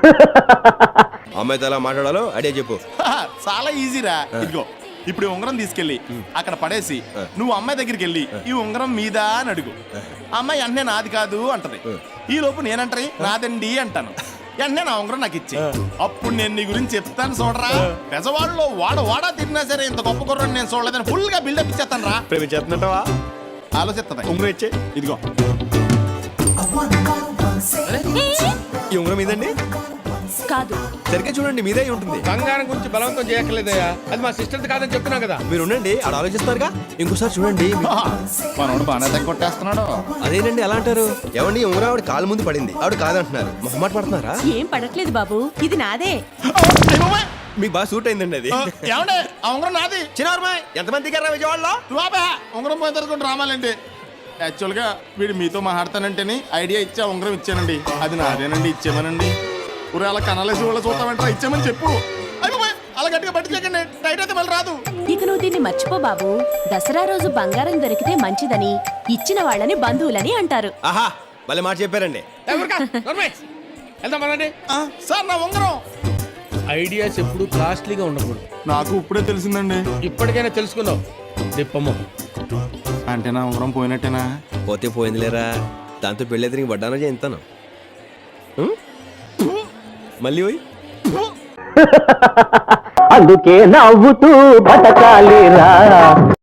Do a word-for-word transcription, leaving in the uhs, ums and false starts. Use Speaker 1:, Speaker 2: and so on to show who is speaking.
Speaker 1: అమ్మాయితో ఎలా మాట్లాడాలో అడే చెప్పు.
Speaker 2: చాలా ఈజీరా. ఇదిగో ఇప్పుడు ఉంగరం తీసుకెళ్ళి అక్కడ పడేసి నువ్వు అమ్మాయి దగ్గరికి వెళ్ళి ఈ ఉంగరం మీద అని అడుగు. అమ్మాయి వెంటనే నాది కాదు అంటది. ఈ లోపు నేనంటది నాదండి అంటాను. వెంటనే నా ఉంగరం నాకు ఇచ్చి అప్పుడు నేను నీ గురించి చెప్తాను చూడరా. పెజవాడలో వాడ వాడా తిరిగినా సరే ఇంత గొప్ప కుర్రని నేను చూడలేదని ఫుల్ గా బిల్డప్ ఇచ్చేస్తాను రా.
Speaker 1: ప్రేమించేస్తున్నట్టవా?
Speaker 2: ఆలోచిస్తుంది.
Speaker 1: ఉంగరం ఇచ్చే.
Speaker 2: ఇదిగో
Speaker 1: ఈ ఉంగరం మీదండి
Speaker 3: కాదు.
Speaker 1: సరిగ్గా చూడండి, మీదే ఉంటుంది.
Speaker 4: బంగారం గురించి బలవంతం చేయక్కర్లేదయ్యా, అది మా సిస్టర్ది కాదని చెప్తున్నా కదా.
Speaker 1: మీరు ఉండండి, ఆడ ఆలోచిస్తారుగా. ఇంకోసారి చూడండి.
Speaker 2: మనోడు బాగా దగ్గర కొట్టేస్తున్నాడు.
Speaker 1: అదేనండి అలా అంటారు. ఏమండి ఈ ఉంగరం ఆవిడ కాలు ముందు పడింది, ఆవిడ కాదంటున్నారు. మొహమాట పడుతున్నారా?
Speaker 3: ఏం పడట్లేదు బాబు, ఇది నాదే.
Speaker 1: మీకు బాగా సూట్ అయిందండి అది.
Speaker 2: ఏమండే ఆ ఉంగరం నాది.
Speaker 1: చిన్నమ్మాయి ఎంతమంది దిగారా విజయవాడలో?
Speaker 2: బాబా ఉంగరం పోయిన తరచుకుంటూ రామాలండి. యాక్చువల్గా వీడు మీతో మాట్లాడతానంటేని ఐడియా ఇచ్చా ఉంగరం ఇచ్చానండి. అది నాదేనండి, ఇచ్చేమనండి. ఊరే అలా కనాలేసి వాళ్ళ చూస్తామంటారా, ఇచ్చామని చెప్పు. అయిపోయి అలా గట్టిగా పట్టుకోకండి, టైట్ అయితే మళ్ళీ రాదు.
Speaker 3: ఇక నువ్వు దీన్ని మర్చిపో బాబు. దసరా రోజు బంగారం దొరికితే మంచిదని, ఇచ్చిన వాళ్ళని బంధువులని అంటారు.
Speaker 1: ఆహా మళ్ళీ మాట చెప్పారండి.
Speaker 4: వెళ్దామనండి.
Speaker 2: సార్ నా ఉంగరం.
Speaker 4: ఐడియాస్ ఎప్పుడు కాస్ట్లీగా ఉండకూడదు.
Speaker 2: నాకు ఇప్పుడే తెలిసిందండి.
Speaker 4: ఇప్పటికైనా తెలుసుకుందాం. దిప్పమ్మ
Speaker 2: అంటే నా ఉంగరం పోయినట్టేనా?
Speaker 1: పోతే పోయింది లేరా, దాంతో పెళ్ళి ఎదురు పడ్డానో చేస్తాను. మళ్ళీ పోయి
Speaker 5: అందుకే నవ్వుతూ బతకాలిరా.